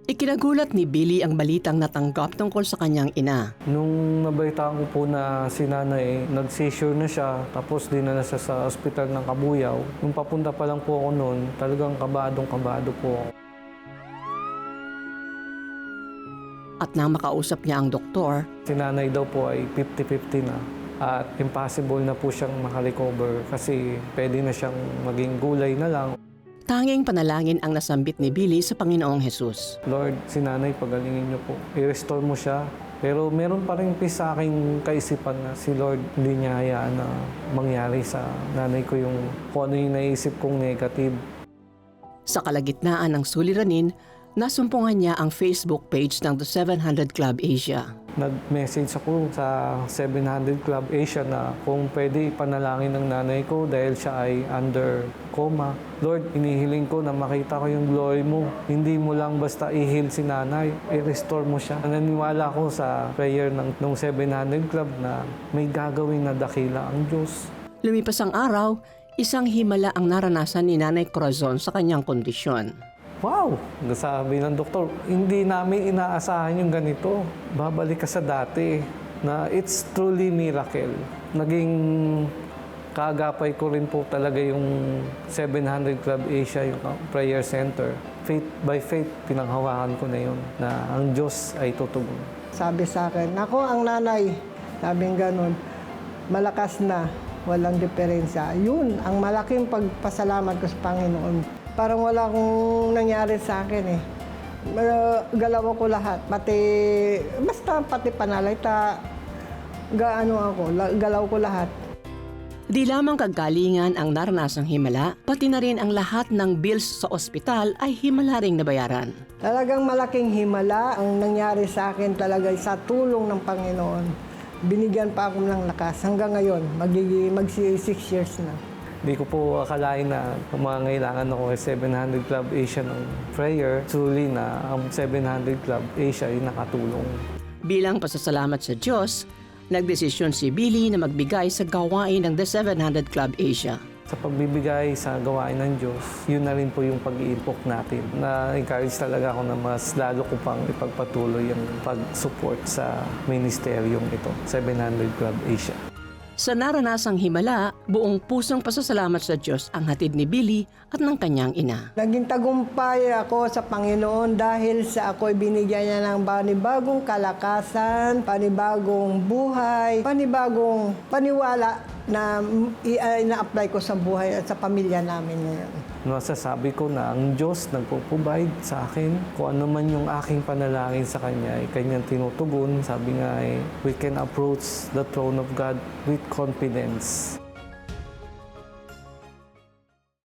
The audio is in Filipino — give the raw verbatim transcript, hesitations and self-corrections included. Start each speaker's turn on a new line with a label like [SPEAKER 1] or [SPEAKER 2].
[SPEAKER 1] Ikinagulat ni Billy ang balitang natanggap tungkol sa kanyang ina.
[SPEAKER 2] Nung nabalitaan ko po na si nanay, nag-seizure na siya, tapos dinala siya sa ospital ng Kabuyaw. Nung papunta pa lang po ako noon, talagang kabadong-kabado po ako.
[SPEAKER 1] At nang makausap niya ang doktor,
[SPEAKER 2] Si nanay daw po ay fifty fifty na at impossible na po siyang makarecover kasi pwede na siyang maging gulay na lang.
[SPEAKER 1] tanging panalangin ang nasambit ni Billy sa Panginoong Hesus.
[SPEAKER 2] Lord, si nanay, pagalingin niyo po. I-restore mo siya. Pero meron pa rin peace sa aking kaisipan na si Lord hindi niya hayaan na mangyari sa nanay ko yung kung ano yung naisip kong negative.
[SPEAKER 1] Sa kalagitnaan ng suliranin, nasumpungan niya ang Facebook page ng The seven hundred Club Asia.
[SPEAKER 2] Nag-message ako sa seven hundred Club Asia na kung pwede ipanalangin ng nanay ko dahil siya ay under coma. Lord, inihiling ko na makita ko yung glory mo. Hindi mo lang basta i-heal si nanay, i-restore mo siya. Naniniwala ko sa prayer ng, ng seven hundred Club na may gagawin na dakila ang Diyos.
[SPEAKER 1] Lumipas ang araw, isang himala ang naranasan ni Nanay Corazon sa kanyang kondisyon.
[SPEAKER 2] Wow! Sabi ng doktor, hindi namin inaasahan yung ganito. Babalik ka sa dati na it's truly miracle. Naging kaagapay ko rin po talaga yung seven hundred Club Asia, yung prayer center. Faith by faith, pinanghawakan ko na yun, na ang Diyos ay tutugon.
[SPEAKER 3] Sabi sa akin, ako ang nanay, sabing ganun, malakas na, walang diferensya. Yun, ang malaking pagpasalamat ko sa Panginoon. Parang wala akong nangyari sa akin eh. Galaw ko lahat, pati, basta pati panalita, gaano ako, galaw ko lahat.
[SPEAKER 1] Di lamang kagalingan ang naranasang himala, pati na rin ang lahat ng bills sa ospital ay himala ring nabayaran.
[SPEAKER 3] Talagang malaking himala ang nangyari sa akin talaga sa tulong ng Panginoon. Binigyan pa ako ng lakas. Hanggang ngayon, magiging mag six years na.
[SPEAKER 2] Hindi ko po akalain na mangangailangan ako sa seven hundred Club Asia ng prayer. Truly na ang seven hundred Club Asia ay nakatulong.
[SPEAKER 1] Bilang pasasalamat sa Diyos, nagdesisyon si Billy na magbigay sa gawain ng The seven hundred Club Asia.
[SPEAKER 2] Sa pagbibigay sa gawain ng Diyos, yun na rin po yung pag-iimpok natin. Na-encourage talaga ako na mas lalo ko pang ipagpatuloy yung pag-support sa ministeryong ito, seven hundred Club Asia.
[SPEAKER 1] Sa naranasang himala, buong pusong pasasalamat sa Diyos ang hatid ni Billy at ng kanyang ina.
[SPEAKER 3] Naging tagumpay ako sa Panginoon dahil sa ako'y binigyan niya ng panibagong kalakasan, panibagong buhay, panibagong paniwala na ina-apply ko sa buhay at sa pamilya namin ngayon.
[SPEAKER 2] Masasabi ko na ang Diyos nagpo-provide sa akin. Kung ano man yung aking panalangin sa Kanya, ay Kanyang tinutugon. Sabi nga ay, we can approach the throne of God with confidence.